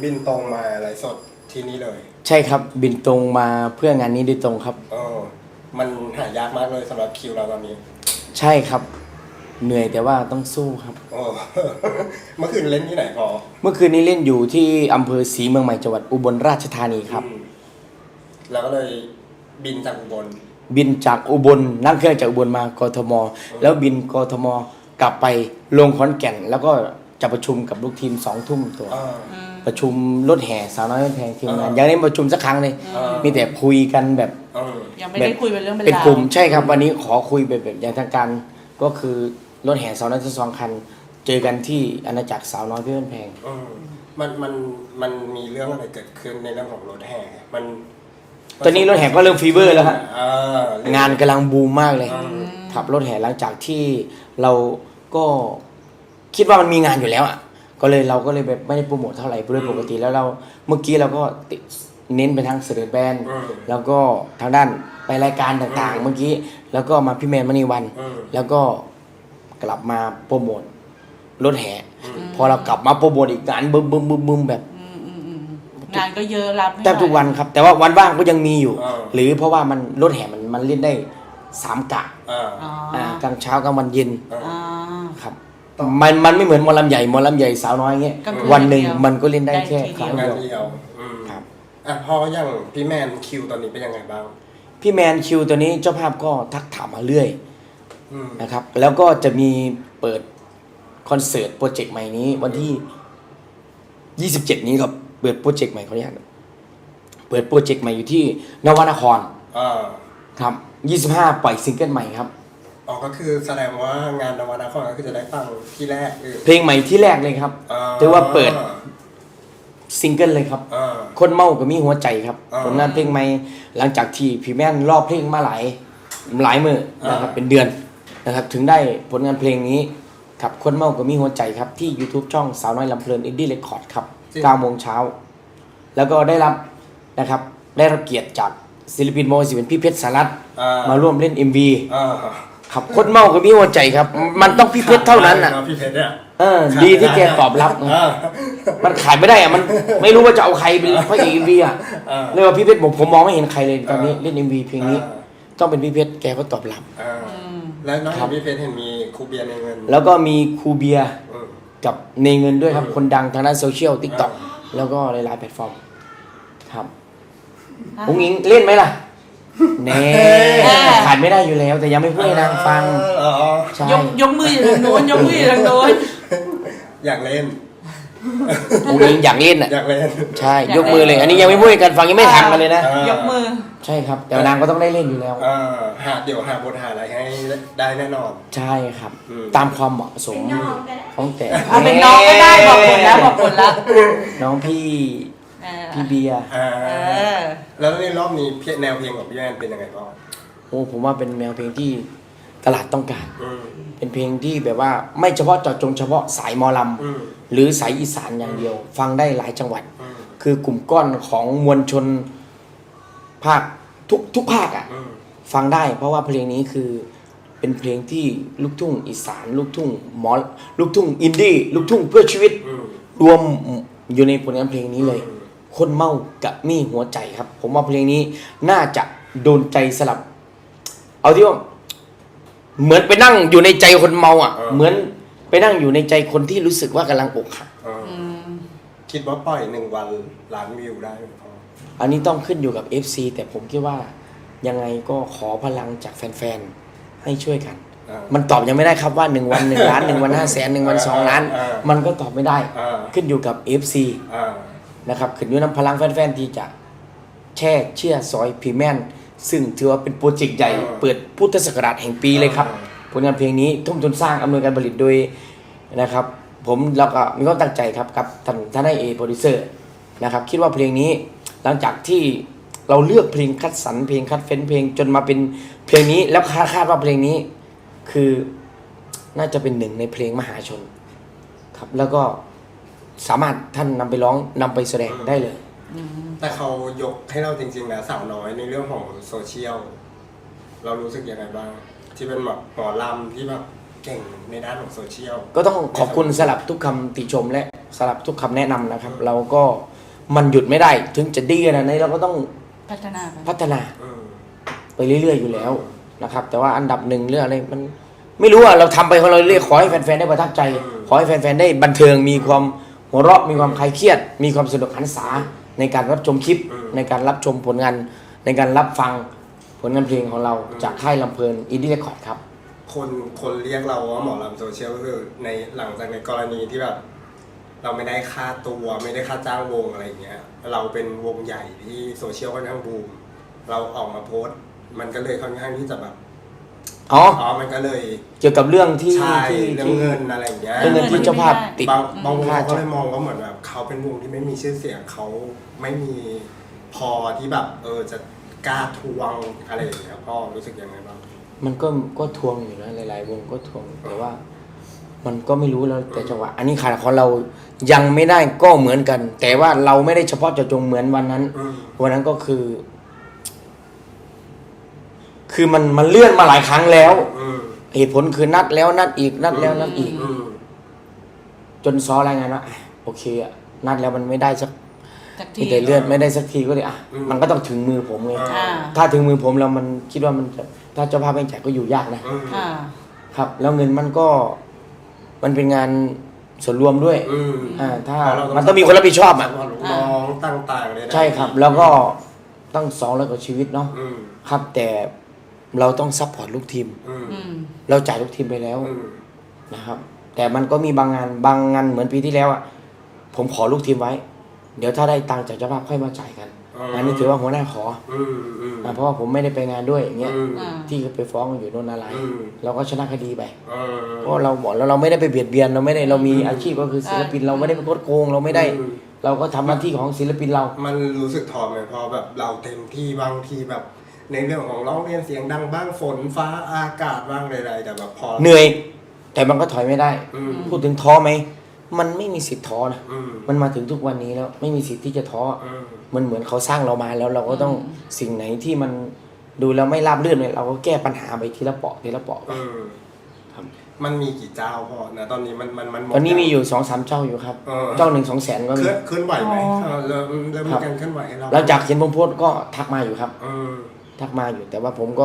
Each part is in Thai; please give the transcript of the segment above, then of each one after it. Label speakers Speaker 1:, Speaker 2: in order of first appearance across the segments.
Speaker 1: บินตรงมาไลฟ์สดที่นี่เลย
Speaker 2: ใช่ครับบินตรงมาเพื่องานนี้โดยตรงครับ
Speaker 1: มันหายากมากเลยสำหรับคิวเราตอนนี้
Speaker 2: ใช่ครับเหนื่อยแต่ว่าต้องสู้ครับ
Speaker 1: เมื่อคืนเล่นที่ไหนพอ
Speaker 2: เมื่อคืนนี้เล่นอยู่ที่อำเภอศรีเมืองใหม่จังหวัดอุบลราชธานีครับ
Speaker 1: แล้วก็เลยบินจากอุบล
Speaker 2: นั่งเครื่องจากอุบลมากทมแล้วบินกทมกลับไปลงขอนแก่นแล้วก็จะประชุมกับลูกทีม2 ทุ่มตัวประชุมรถแห่สาวน้อยแพงทีมงานยังไม่ได้ประชุมสักครั้งเลยมีแต่คุยกันแบบ
Speaker 3: ยังไม่ได้คุยเป็นเรื่อง
Speaker 2: เป็นกลุ่มใช่ครับวันนี้ขอคุยแบบอย่างทางการก็คือรถแห่สาวน้อยทั้ง2 คันเจอกันที่อาณาจักรสาวน้อยเพื่อนแพง
Speaker 1: มันมีเรื่องอะไรเกิดขึ้นในเรื่องของรถแห่
Speaker 2: ตอนนี้รถแห่ก็เริ่มฟีเวอร์แล้วครับงานกำลังบูมมากเลยขับรถแห่หลังจากที่เราก็คิดว่ามันมีงานอยู่แล้วอ่ะเราก็เลยแบบไม่ได้โปรโมทเท่าไหร่โดยปกติแล้วเราเมื่อกี้เราก็เน้นไปทางเสด็จแบนแล้วก็ทางด้านไปรายการต่างๆเมื่อกี้แล้วก็มาพี่แมนมณีวันแล้วก็กลับมาโปรโมทรถแห่พอเรากลับมาโปรโมทอีกงานบึ้มแบบ
Speaker 3: งานก็เยอะรับ
Speaker 2: แทบทุกวันครับแต่ว่าวันว่างก็ยังมีอยู่หรือเพราะว่ามันรถแห่มันเล่นได้3 กะกลางเช้ากลางวันเย็นครับมันไม่เหมือนหมอลำใหญ่สาวน้อยเงี้ยวันหนึ่งมันก็เล่นได้แค่ครั้งเดียว
Speaker 1: ครับพออย่างพี่แมนคิวตอนนี้เป็นยังไงบ้าง
Speaker 2: พี่แมนคิวตัวนี้เจ้าภาพก็ทักถามมาเรื่อยนะครับแล้วก็จะมีเปิดคอนเสิร์ตโปรเจกต์ใหม่นี้วันที่27นี้ครับเปิดโปรเจกต์ใหม่เขาเนี่ยเปิดโปรเจกต์ใหม่อยู่ที่นวนครครับ25ปล่อยซิงเกิลใหม่ครับ
Speaker 1: ก็คือแสดงว่างานนวนครก็คือจะได้ฟังที่แรก
Speaker 2: เพลงใหม่ที่แรกเลยครับถือว่าเปิดซิงเกิลเลยครับคนเมาก็มีหัวใจครับผลงานเพลงใหม่หลังจากที่พี่แม่นรอบเพลงมาหลายมื้อนะครับเป็นเดือนนะครับถึงได้ผลงานเพลงนี้ครับคนเมาก็มีหัวใจครับที่ YouTube ช่องสาวน้อยลำเพลินอินดี้เรคคอร์ดครับ9 โมงเช้าแล้วก็ได้รับนะครับได้รับเกียรติจากศิลปินโมศิลปินพี่เพชรสารัตน์มาร่วมเล่น MV ครับคนเมาก็มีหัวใจครับมันต้องพี่เพชรเท่านั้นน่ะ
Speaker 1: พี่เพชรเนี่ย
Speaker 2: ดีที่แกตอบรับมันขายไม่ได้อ่ะมันไม่รู้ว่าจะเอาใครเป็นพระเอก MV อ่ะเลยว่าพี่เพชรผมมองไม่เห็นใครเลยตอนนี้เล่น MV เพลงนี้ต้องเป็นพี่เพชรแกก็ตอบรับ
Speaker 1: แล้วน้องพี่เพชรเห็นมีครูเบียร์ในเงิน
Speaker 2: แล้วก็มีครูเบียร์กับในเงินด้วยครับคนดังทางด้านโซเชียล TikTok แล้วก็หลายๆแพลตฟอร์มครับอุ้งอิงเล่นไหมล่ะแน่ขาดไม่ได้อยู่แล้วแต่ยังไม่พูดให้นางฟัง
Speaker 3: ยกมืออยู่ทางโน้นยกมืออยู่ทางโน้น
Speaker 1: อยากเล่น
Speaker 2: อุ้งอิงอยากเล่นอ่ะ
Speaker 1: อยากเล่น
Speaker 2: ใช่ยกมือเลยอันนี้ยังไม่พูดให้กันฟังยังไม่ทำกันเลยนะ
Speaker 3: ยกมือ
Speaker 2: ใช่ครับแต่นางก็ต้องได้เล่นอยู่แล้ว
Speaker 1: เดี๋ยวหาบทหาอะไรให้ได้แน่นอน
Speaker 2: ใช่ครับตามความเหมาะสมของแต่
Speaker 3: เป็นน้องก็ได้บอกผลแล้ว
Speaker 2: น้องพี่เบียร์
Speaker 1: แล้วในรอบนี้แนวเพลงของพี่แอนเป็นยังไงบ้าง
Speaker 2: ผมว่าเป็นแนวเพลงที่ตลาดต้องการเป็นเพลงที่แบบว่าไม่เฉพาะเจาะจงเฉพาะสายหมอลำหรือสายอีสานอย่างเดียวฟังได้หลายจังหวัดคือกลุ่มก้อนของมวลชนภาคทุกภาคอ่ะฟังได้เพราะว่าเพลงนี้คือเป็นเพลงที่ลูกทุ่งอีสานลูกทุ่งลูกทุ่งอินดี้ลูกทุ่งเพื่อชีวิตรวมอยู่ในผลงานเพลงนี้เลยคนเมากับมีหัวใจครับผมว่าเพลงนี้น่าจะโดนใจสลับเอาที่ว่าเหมือนไปนั่งอยู่ในใจคนเมาอ่ะเหมือนไปนั่งอยู่ในใจคนที่รู้สึกว่ากำลังอกหัก
Speaker 1: คิดว่าปล่อย1 วันล้านวิวได้ไหมพ่อ
Speaker 2: อันนี้ต้องขึ้นอยู่กับ FC แต่ผมคิดว่ายังไงก็ขอพลังจากแฟนๆให้ช่วยกันมันตอบยังไม่ได้ครับว่า1 วัน1 ล้าน1 วัน500,000 1 วัน2 ล้านมันก็ตอบไม่ได้ขึ้นอยู่กับ FC นะครับขึ้นอยู่กับพลังแฟนๆที่จะแช่เชื่อซอยพีแมนซึ่งถือว่าเป็นโปรเจกต์ใหญ่เปิดพุทธศักราชแห่งปีเลยครับผลงานเพลงนี้ทุ่มทุนสร้างอำนวยการผลิตโดยนะครับผมแล้วก็มีความตั้งใจครับกับท่านโปรดิวเซอร์นะครับคิดว่าเพลงนี้หลังจากที่เราเลือกเพลงคัดสรรเพลงคัดเฟ้นเพลงจนมาเป็นเพลงนี้แล้วคาดว่าเพลงนี้คือน่าจะเป็น1 ในเพลงมหาชนครับแล้วก็สามารถท่านนำไปร้องนำไปแสดงได้เลย
Speaker 1: แต่เขายกให้เราจริงๆนะสาวน้อยในเรื่องของโซเชียลเรารู้สึกยังไงบ้างที่เป็นแบบหมอลำที่แบบเก่งในด้านของโซเชียล
Speaker 2: ก็ต้องขอบคุณสำหรับทุกคำติชมและสำหรับทุกคำแนะนำนะครับเราก็มันหยุดไม่ได้ ถึงจะดีขนาดไหนเราก็ต้อง
Speaker 3: พัฒนาไป
Speaker 2: พัฒนา
Speaker 1: อืม
Speaker 2: ไปเรื่อยๆอยู่แล้วนะครับ แต่ว่าอันดับหนึ่งเรื่องอะไรมันไม่รู้อะเราทำไปของเราเรื่อยๆขอให้แฟนๆได้ประทับใจ ขอให้แฟนๆได้บันเทิงมีความหัวเราะมีความคลายเครียด มีความสนุกหันษาในการรับชมคลิป ในการรับชมผลงานในการรับฟังผลงานเพลงของเราจากค่ายลำเพลินอินดี้เรคคอร์ดครับ
Speaker 1: คนเรียกเราว่าหมอลำโซเชียลก็คือในหลังจากในกรณีที่แบบเราไม่ได้ค่าตัวไม่ได้ค่าจ้างวงอะไรอย่างเงี้ย เราเป็นวงใหญ่ที่โซเชียลค่อนข้างบูมเราออกมาโพสต์มันก็เลยค่อนข้างที่จะแบบ
Speaker 2: อ๋อ
Speaker 1: มันก็เลย
Speaker 2: เกี่ยวกับเรื่องที่
Speaker 1: ใช่
Speaker 2: ที่
Speaker 1: เรื่องเงินอะไรอย่างเงี้ย
Speaker 2: เรื่องเงินที่เจ้าภาพติด
Speaker 1: บางวง
Speaker 2: ค่า
Speaker 1: เขาก็เลยมองว่าเหมือนแบบเขาเป็นวงที่ไม่มีชื่อเสียงเขาไม่มีพอที่แบบจะกล้าทวงอะไรอย่างเงี้ยพ่อรู้สึกยังไงบ้าง
Speaker 2: มันก็ทวงอยู่นะหลายๆวงก็ทวงแต่ว่า มันก็ไม่รู้แล้วแต่จังหวะอันนี้ขาดของเรายังไม่ได้ก็เหมือนกัน แต่ว่าเราไม่ได้เฉพาะเจาะจงเหมือนวันนั้น วันนั้นก็คือมันเลื่อนมาหลายครั้งแล้ว เหตุผลคือนัดแล้วนัดอีกนัดแล้วนัดอีก จนซ้อรายงานว่าโอเคอะนัดแล้วมันไม่ได้สัก
Speaker 3: จาก
Speaker 2: มี
Speaker 3: ที่
Speaker 2: แต่เลื่อนไม่ได้สักทีก็เลยมันก็ต้องถึงมือผมไง
Speaker 3: อ่า
Speaker 2: ถ้าถึงมือผมแล้วมันคิดว่ามันจะถ้าเจ้าภาพไม่จ่ายก็อยู่ยากนะ
Speaker 3: อ่า
Speaker 2: ครับ แล้วเงินมันมันเป็นงานส่วนรวมด้วยถ้ามันต้องมีคนรับผิดชอบอ่ะ
Speaker 1: น้องต่างๆเลย
Speaker 2: ใช่ครับ แล้วก็ตั้ง200 กว่าชีวิตเนาะครับ แต่เราต้องซัพพอร์ตลูกทีม
Speaker 3: อืม
Speaker 2: เราจ่ายลูกทีมไปแล้วนะครับ แต่มันก็มีบางงานเหมือนปีที่แล้วอ่ะผมขอลูกทีมไว้ เดี๋ยวถ้าได้ตังค์จากเจ้าภาพค่อยมาจ่ายกันอันนี้ถือว่าหัวหน้าขอเพราะว่าผมไม่ได้ไปงานด้วยอย่างเงี้ย ที่ไปฟ้องอยู่โน่นอะไรเราก็ชนะคดีไปเพราะเราบอกแล้วเราไม่ได้ไปเบียดเบียนเรามีอาชีพก็คือศิลปินเราไม่ได้ไปโกดโกงเราไม่ได้ เราก็ทำหน้าที่ของศิลปินเรา
Speaker 1: มันรู้สึกท้อไหมพอแบบเราเต็มที่บางทีแบบ ในเรื่องของร้องเรียนเสียงดังบ้างฝนฟ้าอากาศบ้างใดๆแต่แบบพอ
Speaker 2: เหนื่อย แต่มันก็ถอยไม่ได้ พูดถึงท้อไหมมันไม่มีสิทธิ์ท้อนะมันมาถึงทุกวันนี้แล้วไม่มีสิทธิ์ที่จะท้อมันเหมือนเขาสร้างเรามาแล้วเราก็ต้องสิ่งไหนที่มันดูแล้วไม่ราบรื่นเลยเราก็แก้ปัญหาไปทีละเปาะทีละเปาะครับ
Speaker 1: มันมีกี่เจ้าพอนะตอนนี้มันหมด
Speaker 2: ตอนนี้มีอยู่2-3 เจ้าอยู่ครับ เจ้า1-2 แสนก็มี
Speaker 1: เคลื่อนไหวไหมเริ่มมีการเคลื่อนไหวให้เรา
Speaker 2: หลังจากเห็นผมโพสต์ก็ทักมาอยู่ครับทักมาอยู่ แต่ว่าผมก็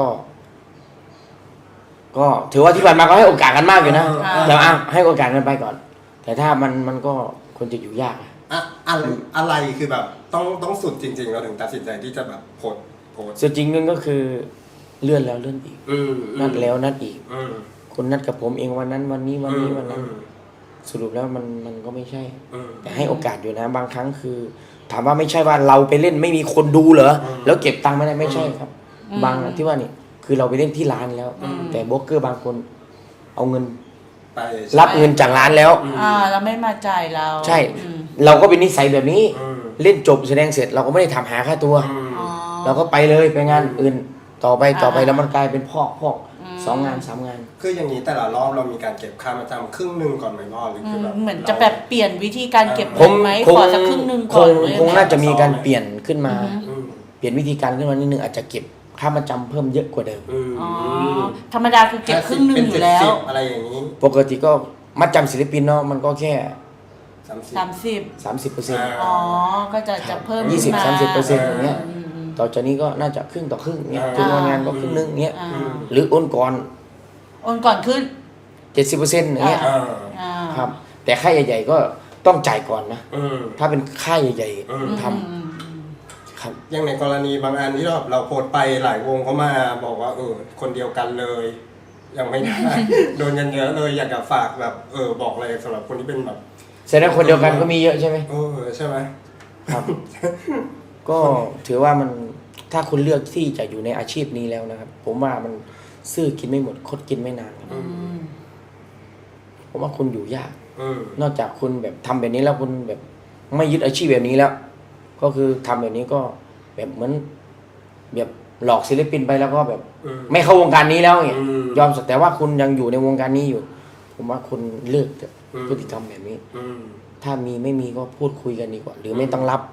Speaker 2: ถือว่าที่ผ่านมาก็ให้โอกาสกันมากอยู่นะแต่ให้โอกาสกันไปก่อน แต่ถ้ามันก็ควรจะอยู่ยาก
Speaker 1: อะไรคือแบบต้องสุดจริงๆเราถึงตัดสินใจที่จะแบบโพสต์
Speaker 2: ส่วนจริงนั่นก็คือเลื่อนแล้วเลื่อนอีกนัดแล้วนัดอีกคนนัดกับผมเองวันนั้นวันนี้วันนั้นสรุปแล้วมันก็ไม่ใช่แต่ให้โอกาสอยู่นะบางครั้งคือ ถามว่าไม่ใช่ว่าเราไปเล่นไม่มีคนดูเหรอแล้วเก็บตังค์ไม่ได้ไม่ใช่ครับ บางที่ว่านี่คือเราไปเล่นที่ร้านแล้ว แต่โบรกเกอร์บางคนเอาเงิน
Speaker 1: ไป
Speaker 2: รับเงินจากร้านแล้ว
Speaker 3: เราไม่มาจ่ายเรา
Speaker 2: ใช่ เราก็เป็นนิสัยแบบนี้เล่นจบแสดงเสร็จเราก็ไม่ได้ทำหาค่าตัวเราก็ไปเลยไปงานอื่นต่อไปแล้วมันกลายเป็นพอก2 งาน 3 งาน
Speaker 1: คืออย่างนี้แต่ละรอบเรามีการเก็บค่ามาจำครึ่งหนึ่งก่อนไหมพ่อหรือคือแบบ
Speaker 3: เหมือนจะแบบเปลี่ยนวิธีการเก็บ
Speaker 2: ผม
Speaker 3: ไหม
Speaker 2: คง
Speaker 3: ขอสักครึ่งหนึ่งก่อนเลย
Speaker 2: คงน่าจะมีการเปลี่ยนขึ้นมา เปลี่ยนวิธีการขึ้นมานิดนึงอาจจะเก็บค่ามาจำเพิ่มเยอะกว่าเดิม
Speaker 3: ธรรมดาคือเก็บครึ่งหนึ่งอยู่แล้ว
Speaker 1: อะไรอย่างนี้
Speaker 2: ปกติก็มัดจำศิลปินเนาะมันก็แค่
Speaker 3: 30 อ๋อก็จะเพิ่ม
Speaker 2: 20-30% อย่างเงี้ยต่อจากนี้ก็น่าจะครึ่งต่อครึ่งเงี้ยถึงวันงานก็ครึ่งนึงเงี้ยหรือโอนก่อน
Speaker 3: ขึ้น
Speaker 2: 70% อย่างเงี้ยครับแต่ค่ายใหญ่ๆก็ต้องจ่ายก่อนนะถ้าเป็นค่ายใหญ่ๆทำครับ
Speaker 1: อย่างในกรณีบางอันที่เราโพสต์ไปหลายวงเขามาบอกว่าคนเดียวกันเลยยังไม่ได้ โดนกันเยอะเลยอยากจะฝากแบบบอกอะไรสำหรับคนที่เป็นแบบ
Speaker 2: แสดงคนเดียวกันก็มีเยอะใช่ไหม
Speaker 1: ใช่ไหม
Speaker 2: ครับ ก็ถือว่ามันถ้าคุณเลือกที่จะอยู่ในอาชีพนี้แล้วนะครับผมว่ามันซื่อกินไม่หมดคดกินไม่นานครับผมว่าคุณอยู่ยากนอกจากคุณแบบทำแบบนี้แล้วคุณแบบไม่ยึดอาชีพแบบนี้แล้ว ก็คือทำแบบนี้ก็แบบเหมือนแบบหลอกศิลปินไปแล้วก็แบบไม่เข้าวงการนี้แล้วเนี่ยยอมแต่ว่าคุณยังอยู่ในวงการนี้อยู่ ผมว่าคุณเลิกพฤติกรรมแบบนี้ถ้ามีไม่มีก็พูดคุยกันดีกว่าหรือไม่ต้องรับ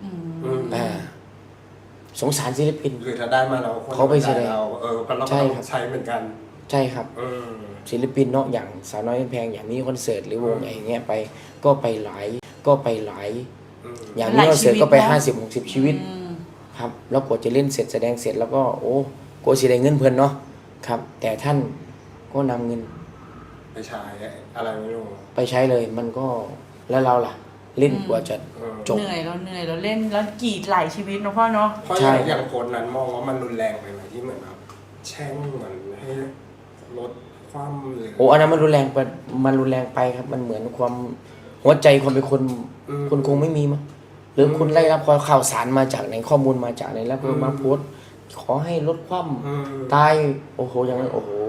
Speaker 2: สงสารศิลปิน
Speaker 1: คือถ้าได้มาเรา
Speaker 2: เขาไปแสดง
Speaker 1: ใช่ครับใช้เหมือนกัน
Speaker 2: ใช่ครับศิลปินเนาะอย่างสาวน้อยแพงอย่างนี้คอนเสิร์ตหรือวงอะไรเงี้ยไปก็ไปหลายอย่างนี้เราเสือก็ไป50-60ชีวิต
Speaker 3: อืม
Speaker 2: ครับแล้วกว่าจะเล่นเสร็จแสดงเสร็จแล้วก็โอ้กว่าสิได้เงินเพิ่นเนาะครับแต่ท่านก็นำเงิน
Speaker 1: ไปฉายอะไรไม่รู้
Speaker 2: ไปใช้เลยมันก็แล้วเราล่ะ เล่นกว่าจะจบ
Speaker 3: เหนื่อยเราเล่นแล้วกรีดหลายชีวิตเนาะพ่อเนาะ
Speaker 1: เพราะ
Speaker 2: ใช่
Speaker 1: อย่างโพสต์นั้นมองว่ามันรุนแรงไปไหมที่เหมือนแบบแช่งเหมือนให้ลดความหรือ
Speaker 2: โอ้อันนั้นมันรุนแรงไปมันรุนแรงไปครับ มันเหมือนความหัวใจความเป็นคนคนคงไม่มีมั้งหรือคุณไล่รับข่าวสารมาจากไหนข้อมูลมาจากไหนแล้วก็มาโพสต์ขอให้ลดความ
Speaker 1: อืม
Speaker 2: ตายโอ้โหอย่างนั้นโอ้โห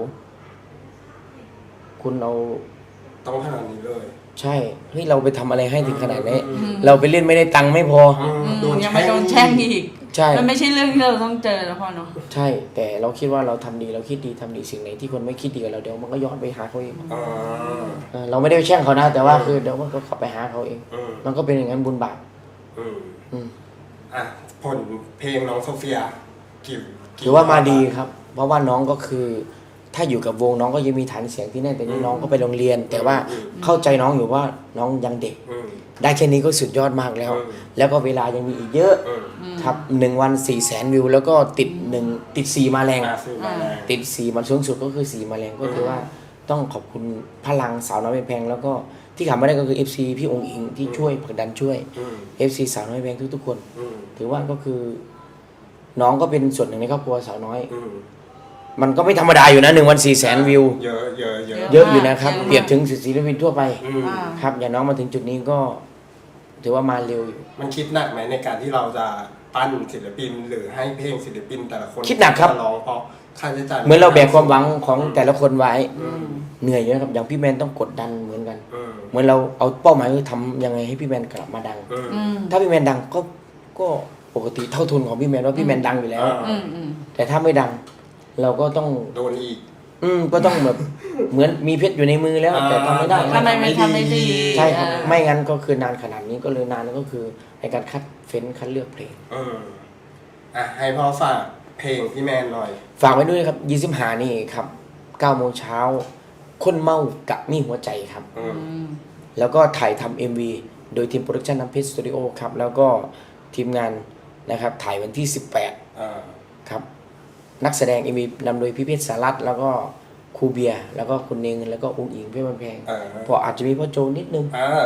Speaker 2: คุณเอา
Speaker 1: ต้องขนาดนี้เลย
Speaker 2: ใช่เฮ้ยเราไปทำอะไรให้ถึงขนาดนี้
Speaker 3: อืม
Speaker 2: เราไปเล่นไม่ได้ตังค์ไม่พอ
Speaker 3: ยังไม่โดนแช่งอีก
Speaker 2: ใช่
Speaker 3: มันไม่ใช่เรื่องที่เราต้องเจอแล้วพ่อเนาะ
Speaker 2: ใช่ แต่เราคิดว่าเราทำดีเราคิดดีทำดีสิ่งไหนที่คนไม่คิดดีกับเราเดี๋ยวมันก็ย้อนไปหาเขาเอง
Speaker 1: อ่า
Speaker 2: เราไม่ได้ไปแช่งเขานะ แต่ว่าคือเดี๋ยวมันก็ขับไปหาเขาเอง
Speaker 1: อืม
Speaker 2: มันก็เป็นอย่างนั้นบุญบาป
Speaker 1: อืม
Speaker 2: อืม
Speaker 1: อ่ะผลเพลงน้องโซเฟียกี่
Speaker 2: ถือว่ามาดีครับ เพราะว่าน้องก็คือ ถ้าอยู่กับวงน้องก็ยังมีฐานเสียงที่แน่นแต่นี่น้องก็ไปโรงเรียน แต่ว่าเข้าใจน้องอยู่ว่าน้องยังเด็ก
Speaker 1: อืม
Speaker 2: ได้แค่นี้ก็สุดยอดมากแล้ว
Speaker 1: อืม
Speaker 2: แล้วก็เวลายังมีอีกเยอะ
Speaker 1: อืม
Speaker 2: ครับ1 วัน400,000 วิว แล้วก็ติด4มาแรง
Speaker 1: ซื้อมาแล้ว
Speaker 2: ติด4มันสูงสุดก็คือ4มาแรงก็คือว่าต้องขอบคุณพลังสาวน้อยแพงแล้วก็ที่ขาดไม่ได้ก็คือ FC พี่องค์อิงที่ช่วยผลักดันช่วย
Speaker 1: อืม
Speaker 2: FC สาวน้อยแพงทุกๆคน
Speaker 1: อืม
Speaker 2: ถือว่าก็คือ น้องก็เป็นส่วนหนึ่งในครอบครัวสาวน้อย
Speaker 1: อืม
Speaker 2: มันก็ไม่ธรรมดาอยู่นะ1 วัน400,000 วิว
Speaker 1: เยอะเยอะเยอะ
Speaker 2: เยอะอยู่นะครับ เปรียบถึงศิลปินทั่วไป
Speaker 1: อืม
Speaker 2: ครับ อย่างน้องมาถึงจุดนี้ก็ ถือว่ามาเร็วอยู่
Speaker 1: มันคิดหนักไหมในการที่เราจะปั้นศิลปินหรือให้เพลงศิลปินแต่ละคน
Speaker 2: คิดหนักครับ
Speaker 1: จะร้องเพราะค่าใช้จ่าย
Speaker 2: เหมือนเราแบกความหวังของแต่ละคนไว้
Speaker 1: อืม
Speaker 2: เหนื่อยเยอะครับอย่างพี่แมนต้องกดดันเหมือนกัน
Speaker 1: อืม
Speaker 2: เหมือนเราเอาเป้าหมายคือทำยังไงให้พี่แมนกลับมาดัง
Speaker 1: อืม
Speaker 3: อืม
Speaker 2: ถ้าพี่แมนดังก็ปกติเท่าทุนของพี่แมนว่าพี่แมนดังอยู่แล้ว
Speaker 3: อืมอืม
Speaker 2: แต่ถ้าไม่ดัง เราก็ต้อง
Speaker 1: โดนอีก
Speaker 2: ก็ต้องแบบ เหมือนมีเพชรอยู่ในมือแล้ว แต่ทำไม่ได้
Speaker 3: ทำไมไม่ทำไม่ดี
Speaker 2: ใช่ครับ
Speaker 3: เออ
Speaker 2: ไม่งั้นก็คือนานขนาดนี้ก็เลยนานก็คือในการคัดเฟ้นคัดเลือกเพลง
Speaker 1: อืมอ่ะให้พ่อฝากเพลงพี่แมนหน่อย
Speaker 2: ฝากไว้ด้วยครับ25นี่ครับ9 โมงเช้าคนเมากับมีหัวใจครับ
Speaker 1: อืม
Speaker 3: อืม
Speaker 2: แล้วก็ถ่ายทำ MV โดยทีมโปรดักชันน้ำเพชรสตูดิโอครับ แล้วก็ทีมงานนะครับถ่ายวันที่ 18
Speaker 1: อ่า
Speaker 2: ครับ นักแสดง MV นำโดยพี่เพชรสารัตน์แล้วก็ครูเบียร์แล้วก็คุณเนงแล้วก็อุ้งอิงเพื่อนบันแพง
Speaker 1: อ่า
Speaker 2: พออาจจะมีพ่อโจนิดนึง
Speaker 1: อ่า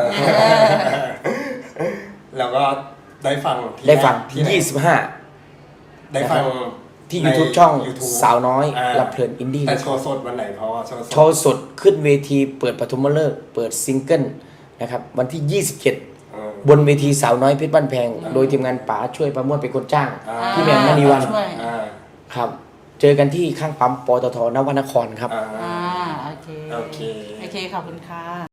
Speaker 1: แล้วก็ได้ฟังที่
Speaker 2: ได้ฟัง
Speaker 1: ที่ไหน
Speaker 2: 25
Speaker 1: ได้ฟัง
Speaker 2: ที่
Speaker 1: ใน
Speaker 2: YouTube ช่อง
Speaker 1: YouTube
Speaker 2: สาวน้อย
Speaker 1: า
Speaker 2: รับเพลินอินดี้
Speaker 1: แต่โชว์สดวันไหนเพราะว่าโชว์สด
Speaker 2: โชว์สดขึ้นเวทีเปิดปฐมฤกษ์เปิดซิงเกิลนะครับวันที่ 27
Speaker 1: อืม
Speaker 2: บนเวทีสาวน้อยเพชรบ้านแพง โดยทีมงานป๋าช่วยประมวลเป็นคนจ้าง
Speaker 1: อ่า
Speaker 2: พี่แมนมณีวัน
Speaker 3: ช่วย
Speaker 1: อ่า
Speaker 2: ครับ เจอกันที่ข้างปั๊มปตทนวนครครับ
Speaker 1: อ่า
Speaker 3: อ่าโอเค
Speaker 1: โอเค
Speaker 3: โอเคขอบคุณค่ะ